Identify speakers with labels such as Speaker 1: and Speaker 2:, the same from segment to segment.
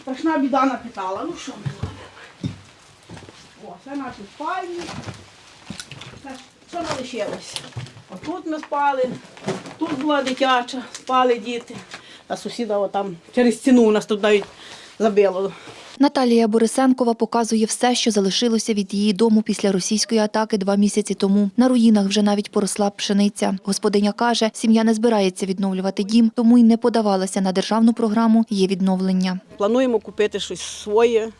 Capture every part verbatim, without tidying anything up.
Speaker 1: страшна біда напитала. Ну що ми робимо? О, це наші спальні. Це що не лишилося. Отут ми спали, тут була дитяча, спали діти. А сусіда отам через стіну у нас тут навіть забило.
Speaker 2: Наталія Борисенкова показує все, що залишилося від її дому після російської атаки два місяці тому. На руїнах вже навіть поросла пшениця. Господиня каже, сім'я не збирається відновлювати дім, тому й не подавалася на державну програму «Є відновлення».
Speaker 1: Плануємо купити щось своє.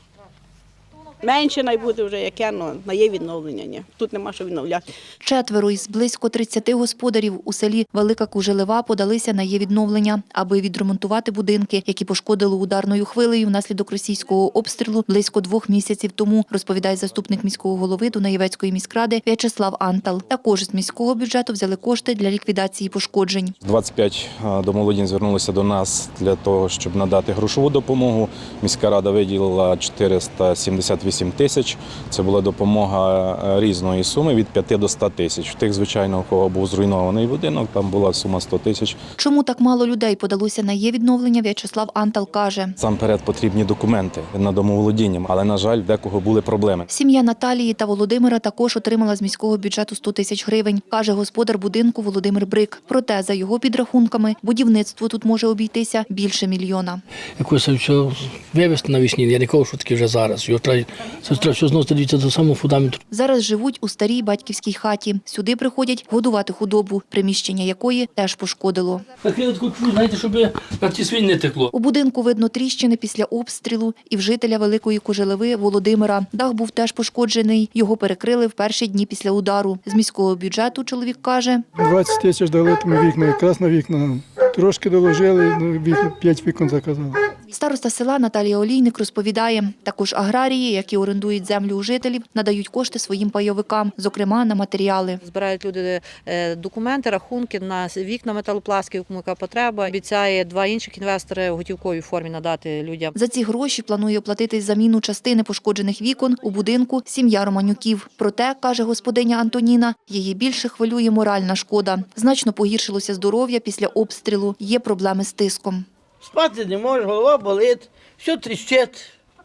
Speaker 1: Менше найбуде вже яке, але на є відновлення. Ні. Тут нема що відновляти.
Speaker 2: Четверо із близько тридцяти господарів у селі Велика Кужелева подалися на є відновлення, аби відремонтувати будинки, які пошкодили ударною хвилею внаслідок російського обстрілу близько двох місяців тому, розповідає заступник міського голови Дунаєвецької міськради В'ячеслав Антал. Також з міського бюджету взяли кошти для ліквідації пошкоджень.
Speaker 3: двадцять п'ять домолодінь звернулися до нас для того, щоб надати грошову допомогу. Міська рада виділила чотириста сімдесят вісім тисяч. Це була допомога різної суми від п'яти до ста тисяч. В тих, звичайно, у кого був зруйнований будинок, там була сума сто тисяч.
Speaker 2: Чому так мало людей подалося на є відновлення, В'ячеслав Антал каже.
Speaker 3: Насамперед потрібні документи на домоволодіння, але, на жаль, в декого були проблеми.
Speaker 2: Сім'я Наталії та Володимира також отримала з міського бюджету сто тисяч гривень, каже господар будинку Володимир Брик. Проте, за його підрахунками, будівництво тут може обійтися більше мільйона.
Speaker 4: Якось все вивезти навесні, я не кажу, що таке вже зараз. Його треба, це треба все знову дивитися до самого фундаменту.
Speaker 2: Зараз живуть у старій батьківській хаті. Сюди приходять годувати худобу, приміщення якої теж пошкодило.
Speaker 4: Накрили таку чужу, знаєте, щоб на ті свині не текло.
Speaker 2: У будинку видно тріщини після обстрілу і в жителя Великої Кужелеви Володимира. Дах був теж пошкоджений. Його перекрили в перші дні після удару. З міського бюджету чоловік каже.
Speaker 5: двадцять тисяч дали тому вікна, якраз на вікна. Трошки доложили, вікна, п'ять вікон заказали.
Speaker 2: Староста села Наталія Олійник розповідає, також аграрії, які орендують землю у жителів, надають кошти своїм пайовикам, зокрема на матеріали.
Speaker 6: Збирають люди документи, рахунки на вікна металопластики, кому яка потреба. Обіцяє два інших інвестори в готівковій формі надати людям.
Speaker 2: За ці гроші планує оплатити заміну частини пошкоджених вікон у будинку сім'я Романюків. Проте, каже господиня Антоніна, її більше хвилює моральна шкода. Значно погіршилося здоров'я після обстрілу, є проблеми з тиском.
Speaker 7: Спати не можеш, голова болить, все тріщить.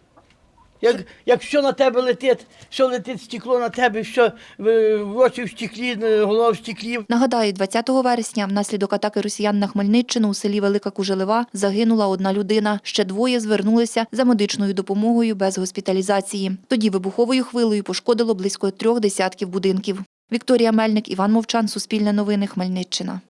Speaker 7: Як, як що на тебе летить, що летить стекло на тебе, що в очі в стеклі, голова в стеклі.
Speaker 2: Нагадаю, двадцятого вересня внаслідок атаки росіян на Хмельниччину у селі Велика Кужелева загинула одна людина. Ще двоє звернулися за медичною допомогою без госпіталізації. Тоді вибуховою хвилею пошкодило близько трьох десятків будинків. Вікторія Мельник, Іван Мовчан, Суспільне новини, Хмельниччина.